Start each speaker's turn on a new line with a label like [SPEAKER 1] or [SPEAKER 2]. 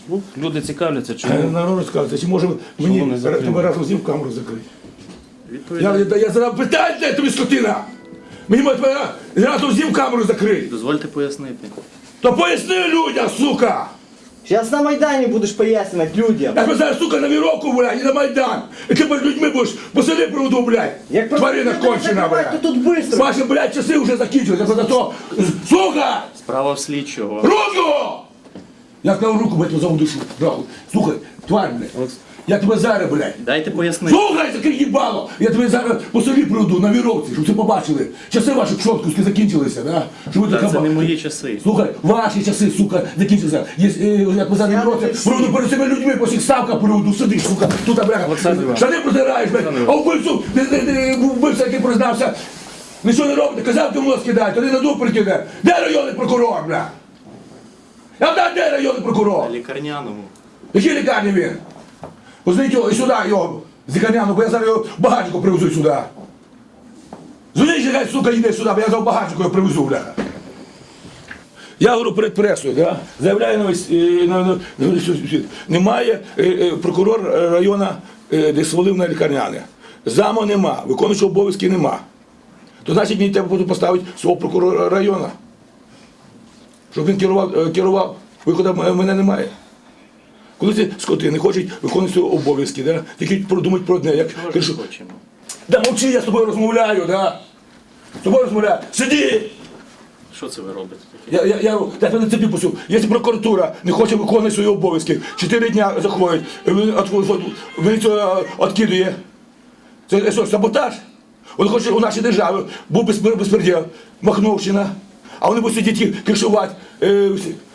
[SPEAKER 1] Люди цікавляться, чому.
[SPEAKER 2] Народ розказується, чи може мені
[SPEAKER 1] не закрили?
[SPEAKER 2] тебе разом з ним камеру закрити?
[SPEAKER 1] Відповідайте.
[SPEAKER 2] Я задав питання, де тобі скотина! Мені може тебе разом з ним камеру закрити!
[SPEAKER 1] Дозвольте пояснити.
[SPEAKER 2] То поясни людям, сука!
[SPEAKER 3] Сейчас на Майдане будешь пояснять людям.
[SPEAKER 2] Я тебе зараз, сука, на віровку, блядь, і на Майдан! І ти перед людьми будеш по селі проводу, блядь!
[SPEAKER 3] Як
[SPEAKER 2] Тварина
[SPEAKER 3] просто
[SPEAKER 2] кончена,
[SPEAKER 3] закривати,
[SPEAKER 2] блядь!
[SPEAKER 3] то тут быстро.
[SPEAKER 2] Ваші, блядь, часи вже закінчилися, я за то... Сука!
[SPEAKER 1] Справа в слідчого.
[SPEAKER 2] Руку! Я сказав руку, блядь, за душу. Нахуй. Слухай, тварь, блядь. Я тебе зараз, блядь.
[SPEAKER 1] Дайте пояснити.
[SPEAKER 2] Слухай, таке їбало! Я тебе зараз по селі приведу на віровці, щоб ви побачили. Часи ваші пшоткуски закінчилися, да? Щоб ви
[SPEAKER 1] Та
[SPEAKER 2] така
[SPEAKER 1] це не
[SPEAKER 2] ба-
[SPEAKER 1] мої часи.
[SPEAKER 2] Слухай, ваші часи, сука, закінчилися. Як ми зараз на віровці, приведу перед цими людьми, по всіх ставках приведу, сидиш, сука, тут, бляха.
[SPEAKER 1] Олександр Іванович.
[SPEAKER 2] Штани протираєш, блядь, а вбивцю, вбивця, який признався, нічого не робить, казав, ти в нос кидай, то не на дуб прикине. Де районний прокурор, бля? Я знаю, де районний прокурор?
[SPEAKER 1] На лікарняному.
[SPEAKER 2] Якій лікарні він? Позвоніть його і сюди, його, з лікарняну, бо я зараз його в багажнику привезу сюди. Дзвоніть, хай, сука, йде сюди, бо я за багажнику його привезу, бляха. Я говорю перед пресою, да? Заявляю на весь, на світ. Немає прокурор району, де свалив на лікарняне. Заму нема, виконуючого обов'язки нема. То значить мені треба буде поставити свого прокурора району. Щоб він керував, виходу мене немає. Коли ці скоти не хочуть виконувати свої обов'язки, да? Тільки продумають про одне, як
[SPEAKER 1] Чого ж
[SPEAKER 2] кажу,
[SPEAKER 1] ми хочемо?
[SPEAKER 2] да мовчи, я з тобою розмовляю, да? З тобою розмовляю. Сиди!
[SPEAKER 1] Що це ви робите таке?
[SPEAKER 2] Я тебе на цепі пустив. Якщо прокуратура не хоче виконувати свої обов'язки, 4 дня заходить, міліцію відкидує. Це що, саботаж? Вони хочуть у нашій державі, був безпреділ, Махновщина, а вони будуть сидіти кришувати.